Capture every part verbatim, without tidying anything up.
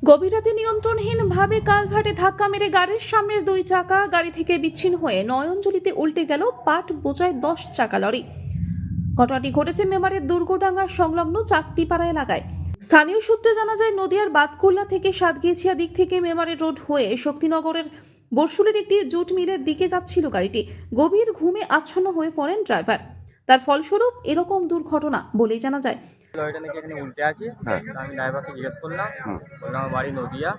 গভীর রাতে নিয়ন্ত্রণহীনভাবে কালভার্টে ধাক্কা মেরে গাড়ির সামনের দুই চাকা গাড়ি থেকে বিচ্ছিন্ন হয়ে নয়নজলিতে উল্টে গেল পাট বোঝায় দশ চাকা লরি। ঘটনাটি ঘটেছে মেমারির দুর্গডাঙ্গা সংলগ্ন চাকতিপাড়া এলাকায়। স্থানীয় সূত্রে জানা যায়, নদিয়ার বাতকুল্লা থেকে সাতগেছিয়া দিক থেকে মেমারি রোড হয়ে শক্তিনগরের বরশুলের একটি জুট মিলের দিকে যাচ্ছিল গাড়িটি। গভীর ঘুমে আচ্ছন্ন হয়ে পড়েন ড্রাইভার। তার ফলস্বরূপ এরকম দুর্ঘটনা বলেই জানা যায়। লরিটা নাকি এখানে উল্টে আছে। তা আমি ড্রাইভারকে জিজ্ঞেস করলাম, বললাম আমার বাড়ি নদিয়া।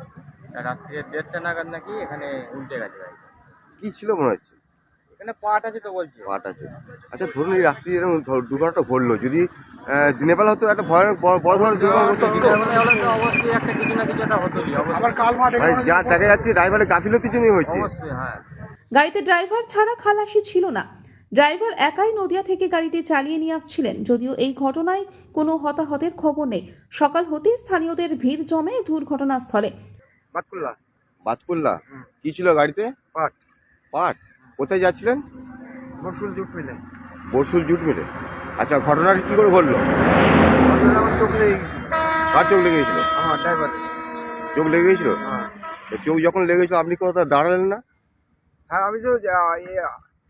তা রাত্রে দেড়টা নাগাদ নাকি এখানে উল্টে গেছে গাড়ি। কি ছিল মনে হচ্ছে? এখানে পাট আছে তো বলছে। পাট আছে। আচ্ছা, ধরুন এই রাত্রি এরকম ধ- দুর্ঘটনাটা ঘটলো, যদি আহ, দিনের বেলা হতো একটা ভয়ানক বড় বড় ধরনের দুর্ঘটনা ঘটতো কি? দিনের বেলায় হলে তো অবশ্যই একটা কিছু না কিছু একটা হতোই। অবশ্যই মানে যা দেখা যাচ্ছে ড্রাইভারের গাফিলতির জন্যই হয়েছে। অবশ্যই হ্যাঁ। গাড়িতে ড্রাইভার ছাড়া খালাসি ছিল না। ড্রাইভার একাই নদিয়া থেকে গাড়িটি চালিয়ে নিয়ে আসছিলেন। যদিও এই ঘটনায় কোনো হতাহতের খবর নেই। সকাল হতেই স্থানীয়দের ভিড় জমে দুর্ঘটনাস্থলে। বাতকুল্লা বাতকুল্লা কি ছিল গাড়িতে? পাট পাট। কোথায় যাচ্ছিলেন? বরশুল জুট মিলে। বরশুল জুট মিলে। আচ্ছা, ঘটনাটা কি করে ঘটলো? আমার চোখ লেগে গেছিল। কার চোখ লেগে গেছিল? আমার ড্রাইভারের। চোখ লেগে গেছিল? হ্যাঁ তো চোখ যখন লেগে গেছিল আপনি কোথাও দাঁড়ালেন না? হ্যাঁ আমি তো যা- ইয়ে,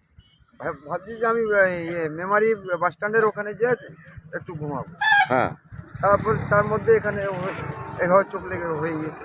ভাব- ভাবছি যে আমি ইয়ে মেমারি বাস স্ট্যান্ডের ওখানে যে আছে একটু ঘুমাবো। হ্যাঁ। তারপর তার মধ্যে এখানে হয়ে- এভাবে চোখ লেগে হয়ে গেছে।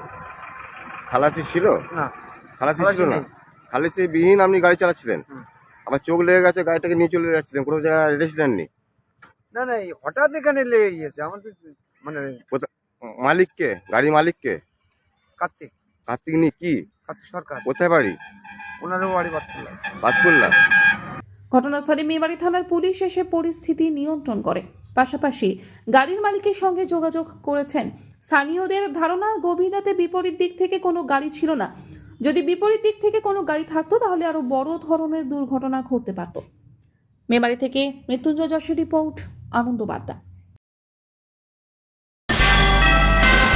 খালাসি ছিল? না খালাসি খালাসি ছিল না? নেই। খালাসি বিহীন আপনি গাড়ি চালাচ্ছিলেন, হুম। আবার চোখ লেগে গেছে, গাড়িটাকে নিয়ে চলে যাচ্ছিলেন, কোনো জায়গায় রেস্ট নেননি? না না এই হঠাৎ এখানে লেগে গিয়েছে আমাদের মানে কোথা মালিককে, গাড়ির মালিককে? কার্তিক কার্তিক নি কি? কার্তিক সরকার, কোথায় বাড়ি? ওনারও বাড়ি বাতকুল্লা। বাতকুল্লা। ঘটনাস্থলে মেমারি থানার পুলিশ এসে পরিস্থিতি নিয়ন্ত্রণ করে। পাশাপাশি গাড়ির মালিকের সঙ্গে যোগাযোগ করেছেন। স্থানীয়দের ধারণা, গভীর রাতে বিপরীত দিক থেকে কোনো গাড়ি ছিল না। যদি বিপরীত দিক থেকে কোনো গাড়ি থাকতো তাহলে আরো বড় ধরনের দুর্ঘটনা ঘটতে পারত। মেমারি থেকে মৃত্যুঞ্জয় যশের রিপোর্ট, আনন্দ বার্তা।